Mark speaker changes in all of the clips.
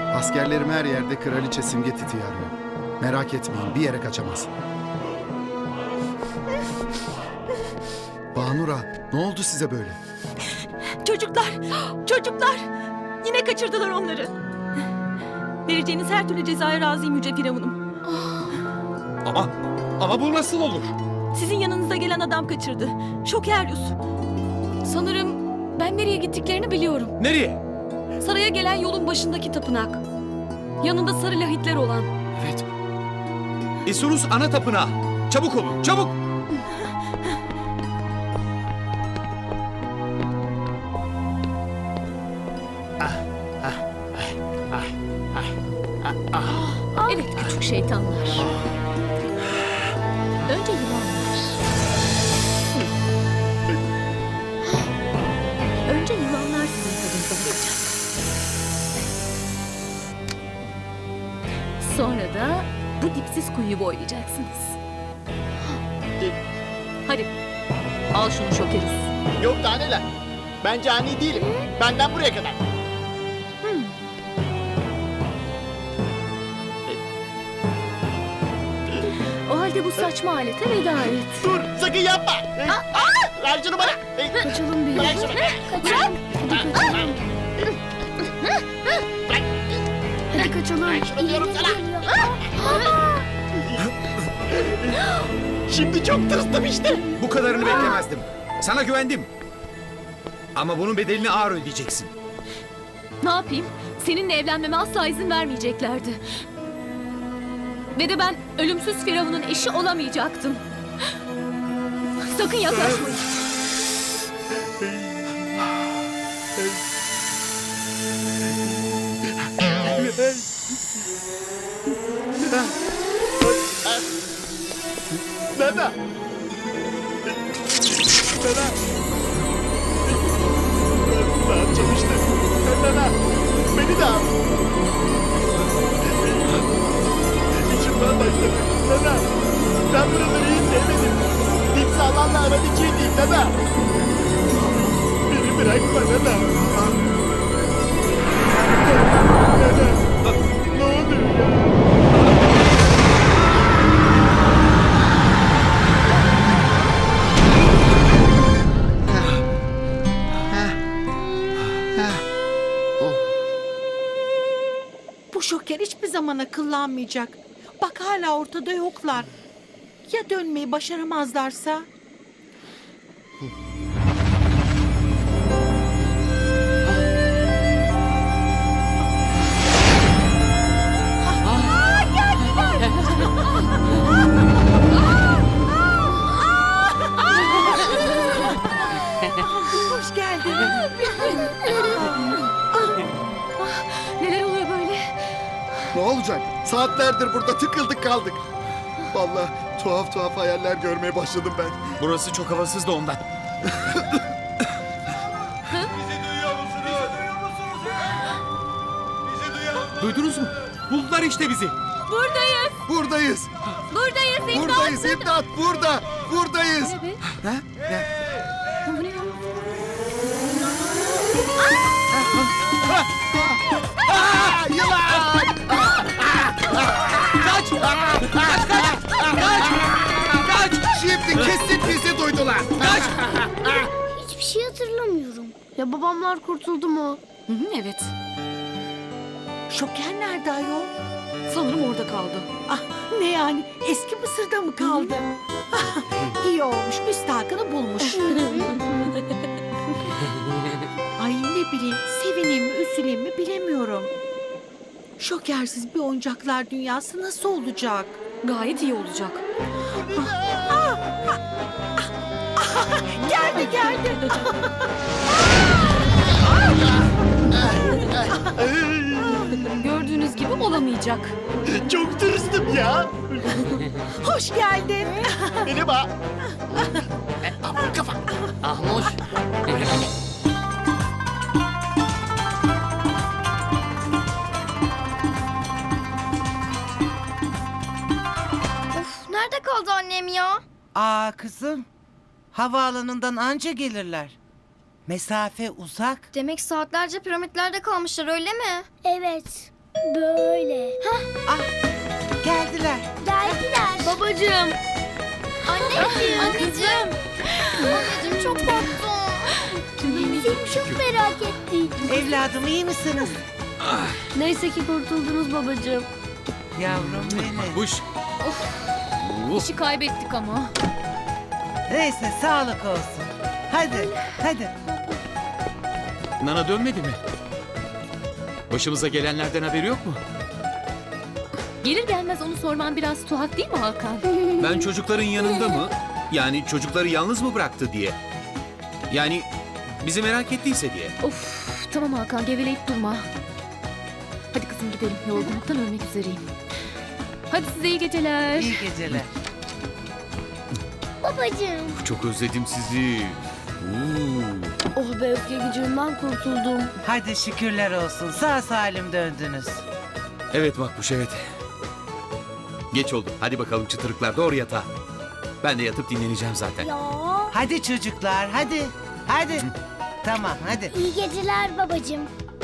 Speaker 1: Askerlerim her yerde kraliçe Simge Titi'yi arıyor. Merak etmeyin, bir yere kaçamaz. Banura, ne oldu size böyle?
Speaker 2: Çocuklar! Çocuklar! Yine kaçırdılar onları. Vereceğiniz her türlü cezaya razıyım Yüce Firavunum.
Speaker 3: Ama bu nasıl olur?
Speaker 2: Sizin yanınıza gelen adam kaçırdı. Şokeryus.
Speaker 4: Sanırım ben nereye gittiklerini biliyorum.
Speaker 3: Nereye?
Speaker 4: Saraya gelen yolun başındaki tapınak. Yanında sarı lahitler olan.
Speaker 3: Evet. Isurus ana tapınağı. Çabuk olun, çabuk!
Speaker 4: Evet küçük şeytanlar. Önce yılanlar. Önce yılanlar sizin tadınıza gelecek. Sonra da bu dipsiz kuyuyu boylayacaksınız. Hadi al şunu Şokerus.
Speaker 5: Yok daha neler. Ben cani değilim. Benden buraya kadar.
Speaker 4: O halde bu saçma alete veda et.
Speaker 5: Dur sakın yapma. Ver şunu bana.
Speaker 4: Kaçalım bir.
Speaker 5: Bırak şunu.
Speaker 4: Kaçalım. Hadi kaçalım.
Speaker 5: Bırak şunu diyorum sana. Şimdi çok tırstım işte.
Speaker 3: Bu kadarını beklemezdim. Sana güvendim. Ama bunun bedelini ağır ödeyeceksin.
Speaker 4: Ne yapayım? Seninle evlenmeme asla izin vermeyeceklerdi. Ve de ben ölümsüz Firavun'un eşi olamayacaktım. Sakın yaklaşmayın.
Speaker 5: Nana. Nana. Daha çalıştı. Nana. Beni de al. İçimden başladı. Nana. Ben buraları hiç sevmedim. Dip sağlamla aran hiç iyi değil Nana. Beni bırakma Nana. Nana. Ne oluyor ya?
Speaker 6: Bu şoker hiçbir zaman akıllanmayacak. Bak hala ortada yoklar. Ya dönmeyi başaramazlarsa? Hoş geldin.
Speaker 4: Neler oluyor böyle?
Speaker 1: Ne olacak? Saatlerdir burada tıkıldık kaldık. Vallahi tuhaf tuhaf hayaller görmeye başladım ben.
Speaker 3: Burası çok havasız da ondan. Duydunuz mu? Buldular işte bizi.
Speaker 4: Buradayız.
Speaker 1: Buradayız.
Speaker 4: Buradayız. İmdat.
Speaker 1: Buradayız. İmdat burada. Buradayız.
Speaker 4: Evet.
Speaker 1: Ha? Ne?
Speaker 4: Bu ne ya?
Speaker 1: Aa, yılan!
Speaker 3: Kaç! Kaç! Kaç! Kaç!
Speaker 1: Şimdi kesin bizi duydular.
Speaker 3: Kaç!
Speaker 7: Hiçbir şey hatırlamıyorum. Ya babamlar kurtuldu mu?
Speaker 4: Hı hı, evet.
Speaker 6: Şoker nerede ayol?
Speaker 4: Sanırım orada kaldı.
Speaker 6: Ah, ne yani? Eski Mısır'da mı kaldı? Ah, iyi olmuş. Müstahakını bulmuş. Ay ne bileyim. Sevineyim mi, üzüleyim mi bilemiyorum. Şokersiz bir oyuncaklar dünyası nasıl olacak?
Speaker 4: Gayet iyi olacak.
Speaker 6: Geldi.
Speaker 4: Gördüğünüz gibi olamayacak.
Speaker 5: Çok tırstım ya.
Speaker 6: Hoş geldin.
Speaker 5: Beni bak. Aman kafa. Ahmoş.
Speaker 7: Of nerede kaldı annem ya?
Speaker 8: Aa kızım, havaalanından anca gelirler. Mesafe uzak.
Speaker 7: Demek saatlerce piramitlerde kalmışlar öyle mi? Evet. Böyle. Hah,
Speaker 8: Ah, geldiler.
Speaker 7: geldiler. Babacığım. Anneciğim. Anneciğim. Babacığım çok korktum. Seni çok merak ettik.
Speaker 8: Evladım iyi misiniz?
Speaker 7: Neyse ki kurtuldunuz babacığım.
Speaker 8: Yavrum benim.
Speaker 3: Buş.
Speaker 4: İşi kaybettik ama.
Speaker 8: Neyse sağlık olsun. Hadi, hadi.
Speaker 3: Nana dönmedi mi? Başımıza gelenlerden haberi yok mu?
Speaker 4: Gelir gelmez onu sorman biraz tuhaf değil mi Hakan?
Speaker 3: Ben çocukların yanında mı? Yani çocukları yalnız mı bıraktı diye. Yani bizi merak ettiyse diye.
Speaker 4: Of tamam Hakan geveleyip durma. Hadi kızım gidelim yorgunluktan ölmek üzereyim. Hadi size iyi geceler.
Speaker 8: İyi geceler.
Speaker 7: Babacığım.
Speaker 3: Çok özledim sizi.
Speaker 7: Oh be öfke gücünden kurtuldum.
Speaker 8: Hadi şükürler olsun. Sağ salim döndünüz.
Speaker 3: Evet Makbuş evet. Geç oldu. Hadi bakalım çıtırıklar doğru yatağa. Ben de yatıp dinleneceğim zaten.
Speaker 7: Ya.
Speaker 8: Hadi çocuklar, hadi. Hadi. Tamam, hadi.
Speaker 7: İyi geceler babacığım.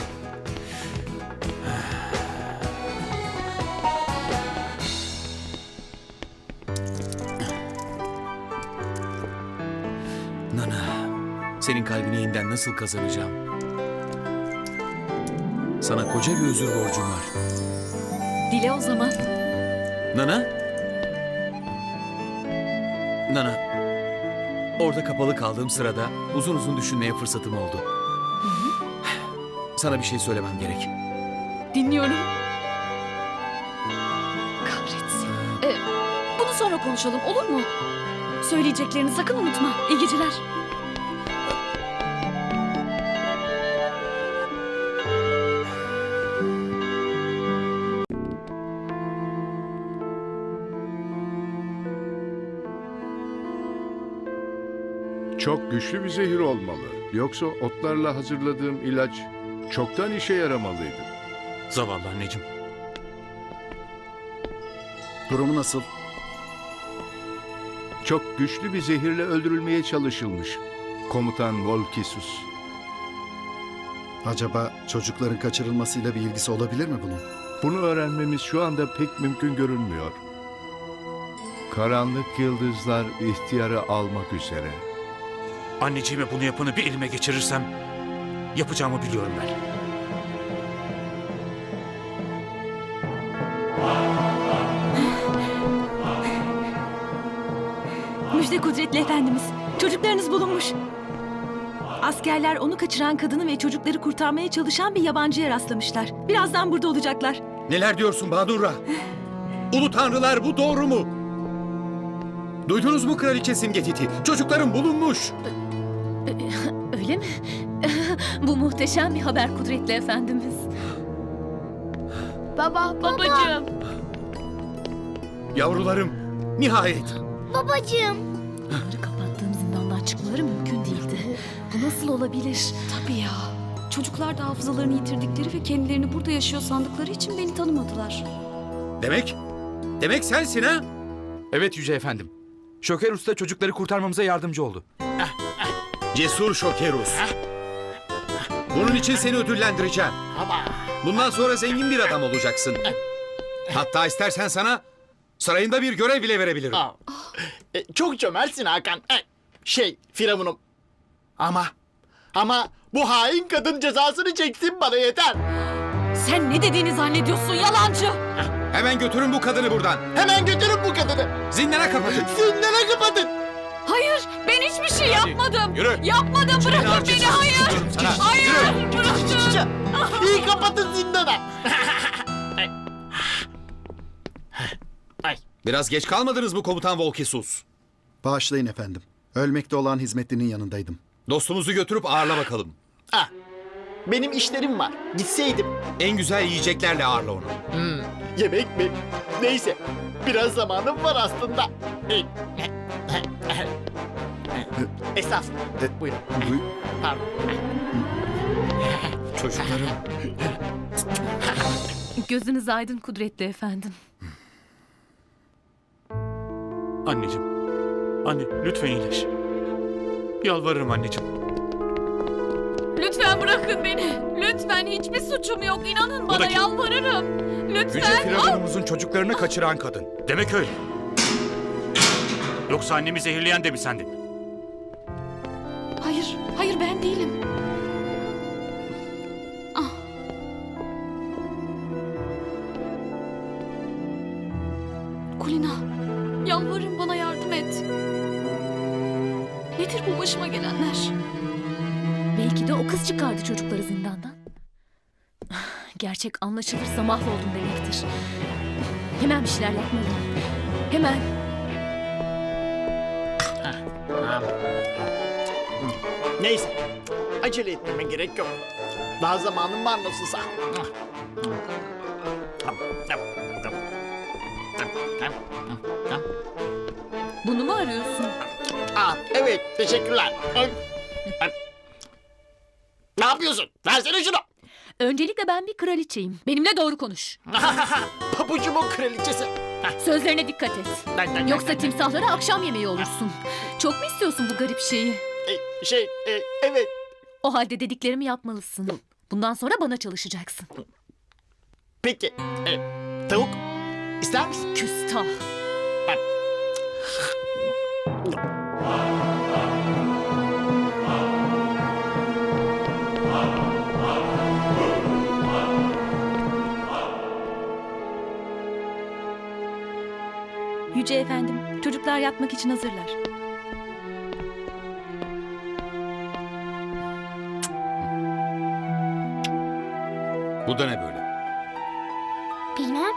Speaker 3: Nana, senin kalbini yeniden nasıl kazanacağım? Sana koca bir özür borcum var.
Speaker 4: Dile o zaman.
Speaker 3: Nana? Nana, orada kapalı kaldığım sırada uzun uzun düşünmeye fırsatım oldu. Sana bir şey söylemem gerek.
Speaker 4: Dinliyorum. Kahretsin. Bunu sonra konuşalım olur mu? Söyleyeceklerini sakın unutma. İyi geceler.
Speaker 9: Çok güçlü bir zehir olmalı. Yoksa otlarla hazırladığım ilaç çoktan işe yaramalıydı.
Speaker 3: Zavallı anneciğim.
Speaker 1: Durumu nasıl?
Speaker 9: Çok güçlü bir zehirle öldürülmeye çalışılmış. Komutan Volkisus.
Speaker 1: Acaba çocukların kaçırılmasıyla bir ilgisi olabilir mi bunun?
Speaker 9: Bunu öğrenmemiz şu anda pek mümkün görünmüyor. Karanlık yıldızlar ihtiyarı almak üzere.
Speaker 3: Anneciğime bunu yapanı bir elime geçirirsem yapacağımı biliyorum ben.
Speaker 2: Müjde kudretli efendimiz. Çocuklarınız bulunmuş. Askerler onu kaçıran kadını ve çocukları kurtarmaya çalışan bir yabancıya rastlamışlar. Birazdan burada olacaklar.
Speaker 3: Neler diyorsun Bahadurra? Ulu tanrılar bu doğru mu? Duydunuz mu kraliçe Simgetiti? Çocukların bulunmuş.
Speaker 4: Öyle mi? Bu muhteşem bir haber kudretli efendimiz.
Speaker 7: Baba.
Speaker 4: Babacığım.
Speaker 3: Yavrularım nihayet.
Speaker 7: Babacığım.
Speaker 4: Onları kapattığım zindandan çıkmaları mümkün değildi. Bu nasıl olabilir? Tabii ya. Çocuklar da hafızalarını yitirdikleri ve kendilerini burada yaşıyor sandıkları için beni tanımadılar.
Speaker 3: Demek sensin ha?
Speaker 10: Evet Yüce Efendim. Şoker Usta çocukları kurtarmamıza yardımcı oldu.
Speaker 3: Cesur Şokerus. Bunun için seni ödüllendireceğim. Bundan sonra zengin bir adam olacaksın. Hatta istersen sana sarayında bir görev bile verebilirim.
Speaker 5: Çok cömertsin Hakan. Firavunum. Ama bu hain kadın cezasını çeksin bana yeter.
Speaker 4: Sen ne dediğini zannediyorsun yalancı?
Speaker 3: Hemen götürün bu kadını buradan.
Speaker 5: Hemen götürün bu kadını.
Speaker 3: Zindana kapatın.
Speaker 5: Zindana kapatın.
Speaker 4: Hayır ben hiçbir şey yapmadım.
Speaker 3: Yürü.
Speaker 4: Yapmadım bırakın beni hayır.
Speaker 3: Diyorum sana.
Speaker 4: Hayır
Speaker 3: Yürü.
Speaker 4: bırakın.
Speaker 5: İyi kapatın zindana.
Speaker 3: Biraz geç kalmadınız mı komutan Volkisus?
Speaker 1: Bağışlayın efendim. Ölmekte olan hizmetlinin yanındaydım.
Speaker 3: Dostumuzu götürüp ağırla bakalım.
Speaker 5: Benim işlerim var. Gitseydim.
Speaker 3: En güzel yiyeceklerle ağırla onu.
Speaker 5: Yemek mi? Neyse. Biraz zamanım var aslında. Estağfurullah. Buyurun. Pardon.
Speaker 3: Çocuklarım.
Speaker 4: Gözünüz aydın kudretli efendim.
Speaker 3: Anneciğim. Anne lütfen iyileş. Yalvarırım anneciğim.
Speaker 4: Lütfen bırakın beni. Lütfen, hiçbir suçum yok. İnanın bana,
Speaker 10: da kim?
Speaker 4: yalvarırım.
Speaker 10: Yüce
Speaker 4: Lütfen.
Speaker 10: Firavunumuzun çocuklarını kaçıran kadın. Demek öyle. Yoksa annemi zehirleyen de mi sendin?
Speaker 4: Hayır, hayır ben değilim. Ah. Kulina, yalvarırım bana yardım et. Nedir bu başıma gelenler?
Speaker 2: Belki de o kız çıkardı çocukları zindandan. Gerçek anlaşılırsa mahvoldum demektir. Hemen bir şeyler yapmalıyım. Hemen.
Speaker 5: Neyse. Acele etmeme gerek yok. Daha zamanım var nasılsa.
Speaker 2: Bunu mu arıyorsun?
Speaker 5: Evet, teşekkürler. Ne yapıyorsun? Versene şunu.
Speaker 2: Öncelikle ben bir kraliçeyim. Benimle doğru konuş.
Speaker 5: Pabucumun kraliçesi.
Speaker 2: Sözlerine dikkat et. Yoksa timsahlara akşam yemeği olursun. Çok mu istiyorsun bu garip şeyi?
Speaker 5: Evet.
Speaker 2: O halde dediklerimi yapmalısın. Bundan sonra bana çalışacaksın.
Speaker 5: Peki. Tavuk ister misin?
Speaker 2: Küstah. Yüce efendim, çocuklar yatmak için hazırlar.
Speaker 3: Bu da ne böyle?
Speaker 7: Bilmem.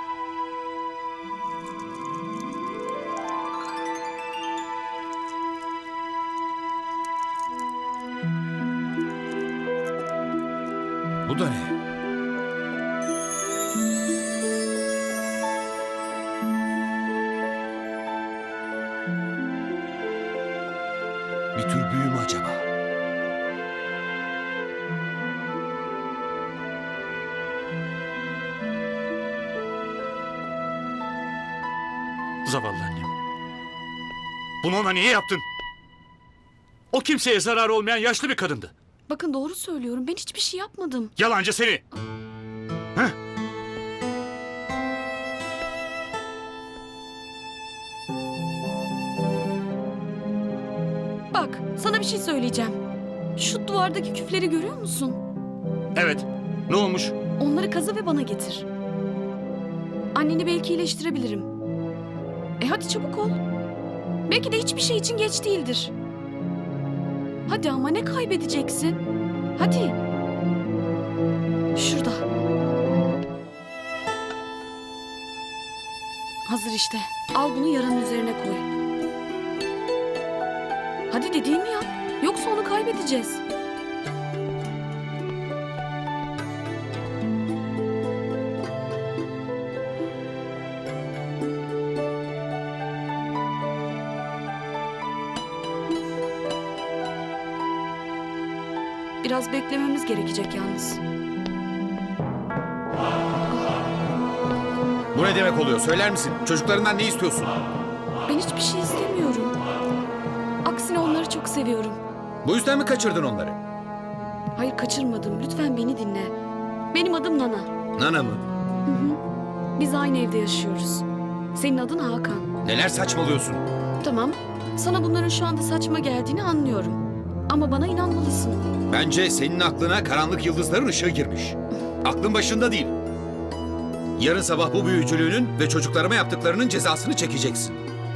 Speaker 3: Bu da ne? Bir tür büyü mü acaba?
Speaker 10: Zavallı annem. Bunu ona niye yaptın? O kimseye zarar olmayan yaşlı bir kadındı.
Speaker 4: Bakın doğru söylüyorum. Ben hiçbir şey yapmadım.
Speaker 10: Yalancı seni. Heh.
Speaker 4: Bak, sana bir şey söyleyeceğim. Şu duvardaki küfleri görüyor musun?
Speaker 10: Evet. Ne olmuş?
Speaker 4: Onları kazı ve bana getir. Anneni belki iyileştirebilirim. Hadi çabuk ol. Belki de hiçbir şey için geç değildir. Hadi ama ne kaybedeceksin? Hadi. Şurada. Hazır işte. Al bunu yaranın üzerine koy. Hadi dediğimi yap. Yoksa onu kaybedeceğiz. Biraz beklememiz gerekecek yalnız.
Speaker 3: Bu ne demek oluyor? Söyler misin? Çocuklarından ne istiyorsun?
Speaker 4: Ben hiçbir şey istemiyorum. Aksine onları çok seviyorum.
Speaker 3: Bu yüzden mi kaçırdın onları?
Speaker 4: Hayır, kaçırmadım. Lütfen beni dinle. Benim adım Nana.
Speaker 3: Nana mı?
Speaker 4: Biz aynı evde yaşıyoruz. Senin adın Hakan.
Speaker 3: Neler saçmalıyorsun?
Speaker 4: Tamam. Sana bunların şu anda saçma geldiğini anlıyorum. Ama bana inanmalısın.
Speaker 3: Bence senin aklına karanlık yıldızların ışığı girmiş. Aklın başında değil. Yarın sabah bu büyücülüğünün ve çocuklarıma yaptıklarının cezasını çekeceksin.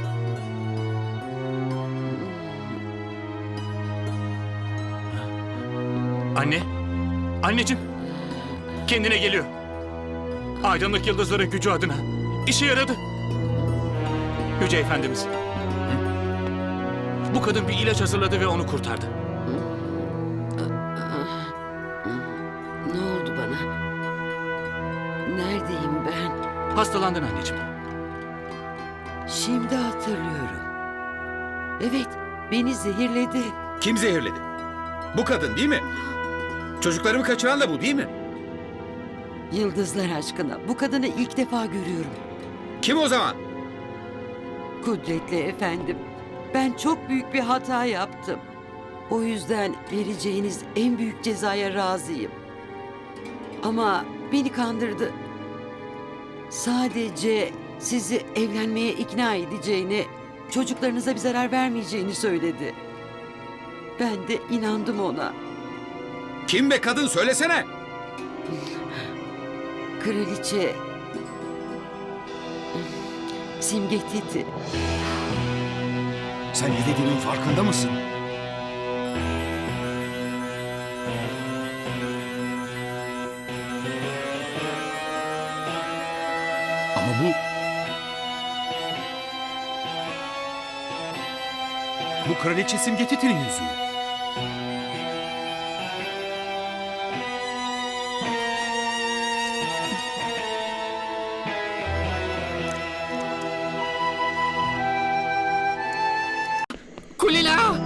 Speaker 10: Anne. Anneciğim. Kendine geliyor. Aydınlık yıldızların gücü adına. İşe yaradı. Yüce Efendimiz. Bu kadın bir ilaç hazırladı ve onu kurtardı.
Speaker 11: Ne oldu bana? Neredeyim ben?
Speaker 10: Hastalandın anneciğim.
Speaker 11: Şimdi hatırlıyorum. Evet, beni zehirledi.
Speaker 3: Kim zehirledi? Bu kadın değil mi? Çocuklarımı kaçıran da bu değil mi?
Speaker 11: Yıldızlar aşkına, bu kadını ilk defa görüyorum.
Speaker 3: Kim o zaman?
Speaker 11: Kudretli efendim, ben çok büyük bir hata yaptım. O yüzden vereceğiniz en büyük cezaya razıyım. Ama beni kandırdı. Sadece sizi evlenmeye ikna edeceğini, çocuklarınıza bir zarar vermeyeceğini söyledi. Ben de inandım ona.
Speaker 3: Kim be kadın söylesene.
Speaker 11: Kraliçe Simge Titi.
Speaker 3: Sen ne dediğinin farkında mısın? Ama bu kraliçe Simge Titi'nin yüzüğü.
Speaker 5: Kulina!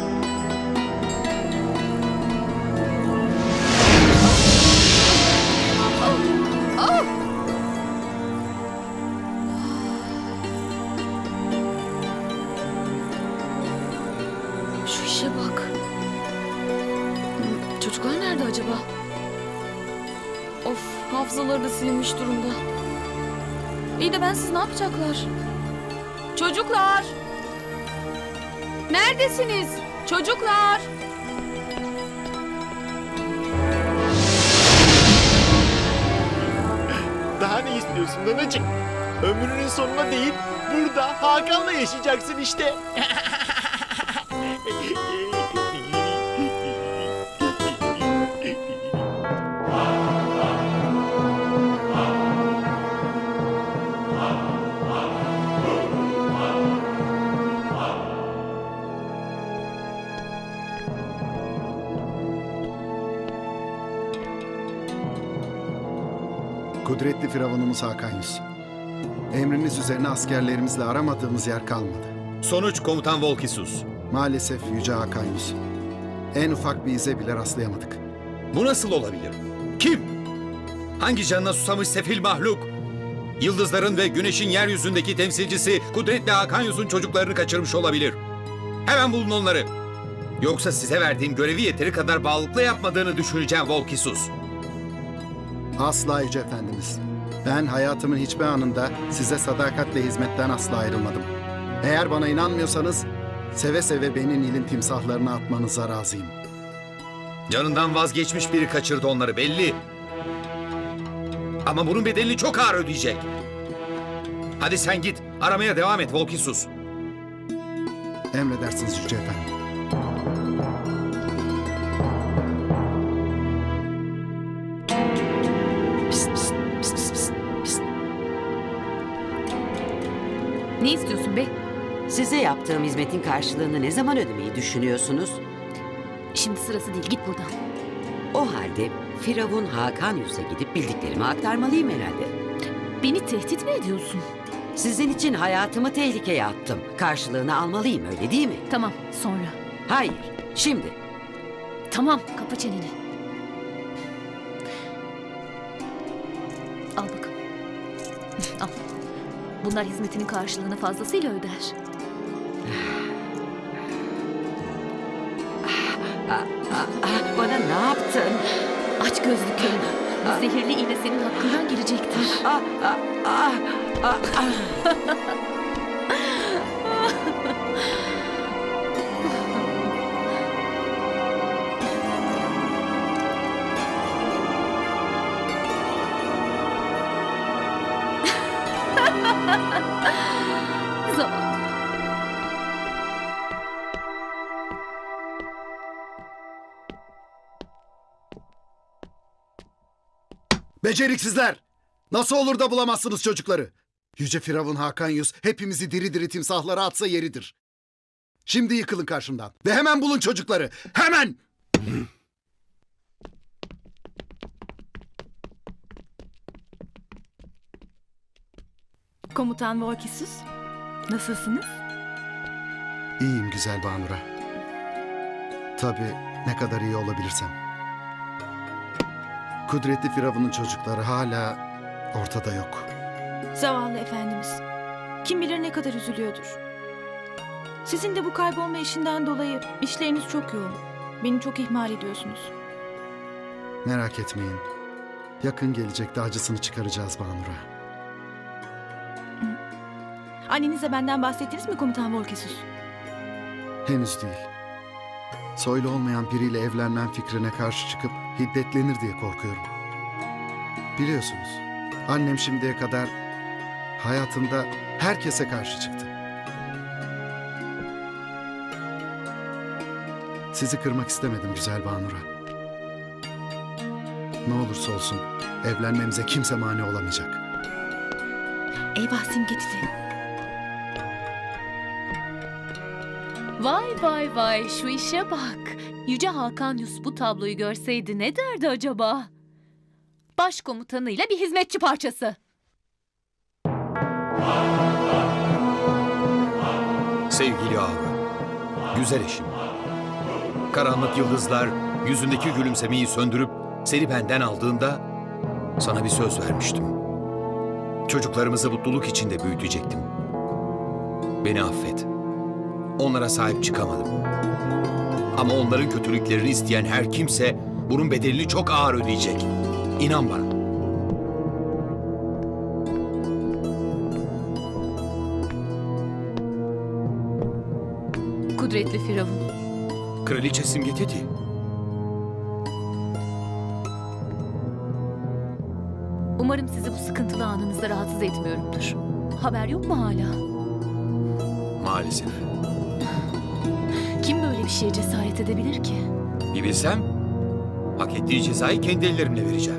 Speaker 4: Şu işe bak. Çocuklar nerede acaba? Of, hafızaları da silinmiş durumda. İyi de bensiz ne yapacaklar? Çocuklar! Neredesiniz? Çocuklar!
Speaker 5: Daha ne istiyorsun nanacık? Ömrünün sonuna değil, burada Hakan'la yaşayacaksın işte.
Speaker 1: Kudretli Firavunumuz Hakan Yus. Emriniz üzerine askerlerimizle aramadığımız yer kalmadı.
Speaker 3: Sonuç komutan Volkisus.
Speaker 1: Maalesef Yüce Hakan Yus. En ufak bir ize bile rastlayamadık.
Speaker 3: Bu nasıl olabilir? Kim? Hangi canına susamış sefil mahluk? Yıldızların ve güneşin yeryüzündeki temsilcisi Kudretli Hakan Yus'un çocuklarını kaçırmış olabilir. Hemen bulun onları. Yoksa size verdiğim görevi yeteri kadar bağlılıkla yapmadığını düşüneceğim Volkisus.
Speaker 1: Asla Yüce Efendimiz. Ben hayatımın hiçbir anında size sadakatle hizmetten asla ayrılmadım. Eğer bana inanmıyorsanız seve seve beni Nil'in timsahlarına atmanıza razıyım.
Speaker 3: Canından vazgeçmiş biri kaçırdı onları belli. Ama bunun bedelini çok ağır ödeyecek. Hadi sen git, aramaya devam et Volkisus.
Speaker 1: Emredersiniz Yüce Efendim.
Speaker 4: Ne istiyorsun be?
Speaker 11: Size yaptığım hizmetin karşılığını ne zaman ödemeyi düşünüyorsunuz?
Speaker 4: Şimdi sırası değil, git buradan.
Speaker 11: O halde Firavun Hakan Yus'a gidip bildiklerimi aktarmalıyım herhalde.
Speaker 4: Beni tehdit mi ediyorsun?
Speaker 11: Sizin için hayatımı tehlikeye attım. Karşılığını almalıyım, öyle değil mi?
Speaker 4: Tamam, sonra.
Speaker 11: Hayır, şimdi.
Speaker 4: Tamam, kapa çeneni. Al bakalım. Al. Bunlar hizmetinin karşılığını fazlasıyla öder.
Speaker 11: Bana ne yaptın?
Speaker 4: Aç gözlü köylü. Bu zehirli iğne senin hakkından girecektir. Zavallı.
Speaker 1: Beceriksizler! Nasıl olur da bulamazsınız çocukları? Yüce Firavun Hakan Yus hepimizi diri diri timsahlara atsa yeridir. Şimdi yıkılın karşımdan ve hemen bulun çocukları. Hemen!
Speaker 2: Komutan Volkisus, nasılsınız?
Speaker 1: İyiyim güzel Banura. Tabii ne kadar iyi olabilirsem. Kudretli Firavun'un çocukları hala ortada yok.
Speaker 2: Zavallı efendimiz. Kim bilir ne kadar üzülüyordur. Sizin de bu kaybolma işinden dolayı işleriniz çok yoğun. Beni çok ihmal ediyorsunuz.
Speaker 1: Merak etmeyin. Yakın gelecekte acısını çıkaracağız Banura.
Speaker 2: Annenize benden bahsettiniz mi Komutan Volkesus?
Speaker 1: Henüz değil. Soylu olmayan biriyle evlenmem fikrine karşı çıkıp hiddetlenir diye korkuyorum. Biliyorsunuz, annem şimdiye kadar hayatında herkese karşı çıktı. Sizi kırmak istemedim güzel Banura. Ne olursa olsun evlenmemize kimse mani olamayacak.
Speaker 2: Eyvah Simgecili.
Speaker 12: Vay vay vay şu işe bak. Yüce Hakan Yus bu tabloyu görseydi ne derdi acaba? Başkomutanıyla bir hizmetçi parçası.
Speaker 3: Sevgili Aura, güzel eşim. Karanlık yıldızlar yüzündeki gülümsemeyi söndürüp seni benden aldığında sana bir söz vermiştim. Çocuklarımızı mutluluk içinde büyütecektim. Beni affet. Onlara sahip çıkamadım. Ama onların kötülüklerini isteyen her kimse bunun bedelini çok ağır ödeyecek. İnan bana.
Speaker 12: Kudretli Firavun.
Speaker 3: Kraliçe Simgeteti.
Speaker 12: Umarım sizi bu sıkıntılı anınızda rahatsız etmiyorumdur. Haber yok mu hala?
Speaker 3: Maalesef.
Speaker 12: Kim böyle bir şeye cesaret edebilir ki?
Speaker 3: Bir bilsem, hak ettiği cezayı kendi ellerimle vereceğim.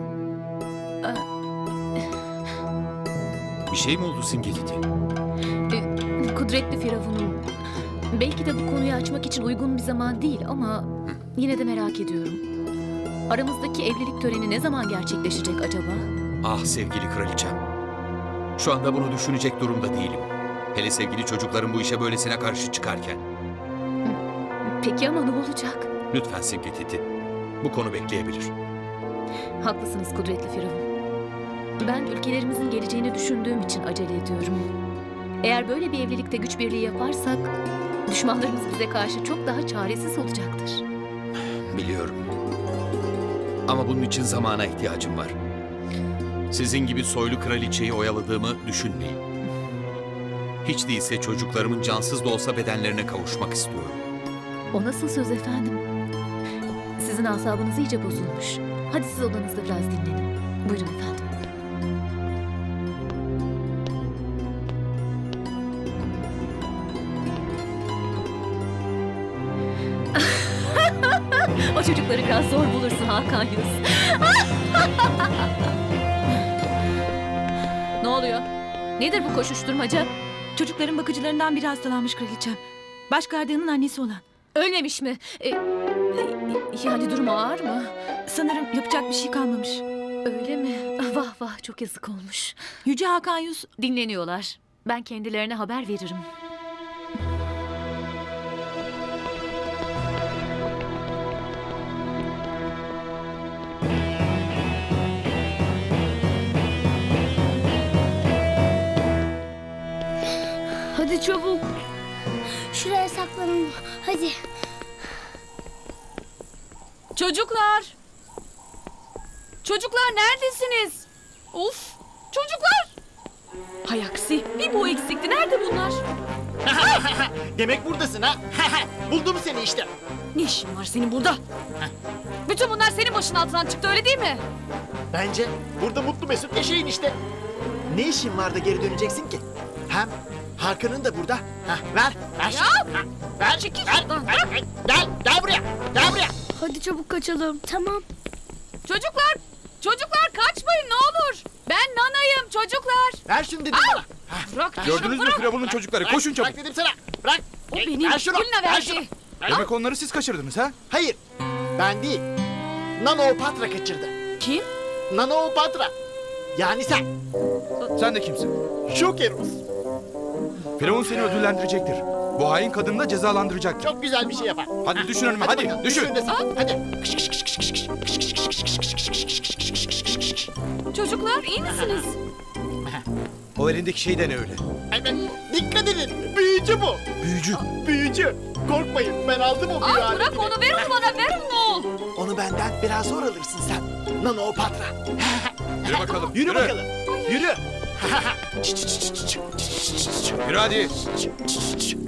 Speaker 3: Bir şey mi oldu Simgeteti?
Speaker 12: Kudretli Firavun'um. Belki de bu konuyu açmak için uygun bir zaman değil ama yine de merak ediyorum. Aramızdaki evlilik töreni ne zaman gerçekleşecek acaba?
Speaker 3: Ah sevgili kraliçem. Şu anda bunu düşünecek durumda değilim. Hele sevgili çocuklarım bu işe böylesine karşı çıkarken.
Speaker 12: Peki ama ne olacak?
Speaker 3: Lütfen Simgeteti. Bu konu bekleyebilir.
Speaker 12: Haklısınız Kudretli Firavun. Ben ülkelerimizin geleceğini düşündüğüm için acele ediyorum. Eğer böyle bir evlilikte güç birliği yaparsak düşmanlarımız bize karşı çok daha çaresiz olacaktır.
Speaker 3: Biliyorum. Ama bunun için zamana ihtiyacım var. Sizin gibi soylu kraliçeyi oyaladığımı düşünmeyin. Hiç değilse çocuklarımın cansız da olsa bedenlerine kavuşmak istiyorum.
Speaker 12: O nasıl söz efendim? Sizin asabınız iyice bozulmuş. Hadi siz odanızda biraz dinlenin. Buyurun efendim. O çocukları biraz zor bulursun Hakan Yus. Ne oluyor? Nedir bu koşuşturmaca?
Speaker 2: Çocukların bakıcılarından biri hastalanmış kraliçem. Başgardiyanın annesi olan.
Speaker 12: Ölmemiş mi? Yani durumu ağır mı?
Speaker 2: Sanırım yapacak bir şey kalmamış.
Speaker 12: Öyle mi? Vah vah çok yazık olmuş.
Speaker 2: Yüce Hakan Yus
Speaker 12: Dinleniyorlar. Ben kendilerine haber veririm.
Speaker 7: Hadi çabuk. Şuraya saklanın. Hadi.
Speaker 4: Çocuklar! Çocuklar neredesiniz? Of! Çocuklar! Hay aksi bir bu eksikti. Nerede bunlar?
Speaker 5: Demek buradasın ha. Buldum seni işte.
Speaker 4: Ne işin var senin burada? Bütün bunlar senin başın altından çıktı öyle değil mi?
Speaker 5: Bence burada mutlu mesut yaşayın işte. Ne işin var da geri döneceksin ki? Hem Hakan'ın da burada. Ver.
Speaker 4: Ya!
Speaker 5: Ver.
Speaker 4: Çekil
Speaker 5: Ver.
Speaker 4: şuradan.
Speaker 5: Ver. Gel buraya. Gel buraya.
Speaker 7: Hadi çabuk kaçalım. Tamam.
Speaker 4: Çocuklar kaçmayın ne olur. Ben Nana'yım çocuklar.
Speaker 5: Ver şunu dedim bana.
Speaker 4: Bırak.
Speaker 10: Gördünüz mü Firavun'un çocukları?
Speaker 5: Bırak,
Speaker 10: Koşun çabuk.
Speaker 5: Bırak dedim sana. Bırak.
Speaker 4: O benim.
Speaker 5: Ver şunu.
Speaker 4: Kulina
Speaker 5: Ver şunu.
Speaker 4: verdi.
Speaker 10: Demek onları siz kaçırdınız ha?
Speaker 5: Hayır. Ben değil. Nanoopatra kaçırdı.
Speaker 4: Kim?
Speaker 5: Nanoopatra. Yani sen.
Speaker 10: Sen de kimsin?
Speaker 5: Şokerus.
Speaker 10: Firavun seni ödüllendirecektir. Bu hain kadını da cezalandıracaktır.
Speaker 5: Çok güzel bir şey yapar.
Speaker 10: Hadi düşün önüme hadi
Speaker 5: bakalım,
Speaker 10: düşün.
Speaker 5: önüne sen. Hadi.
Speaker 4: Çocuklar iyi misiniz?
Speaker 3: O elindeki şey de ne öyle?
Speaker 5: Hemen dikkat edin. Büyücü bu.
Speaker 3: Büyücü.
Speaker 5: Büyücü. Korkmayın ben aldım o büyü
Speaker 4: Bırak
Speaker 5: aletini.
Speaker 4: onu ver onu bana ver onu.
Speaker 5: Onu benden biraz zor alırsın sen. Nano Patra.
Speaker 3: Yürü bakalım.
Speaker 5: Yürü bakalım. Yürü.
Speaker 3: Yürü hadi.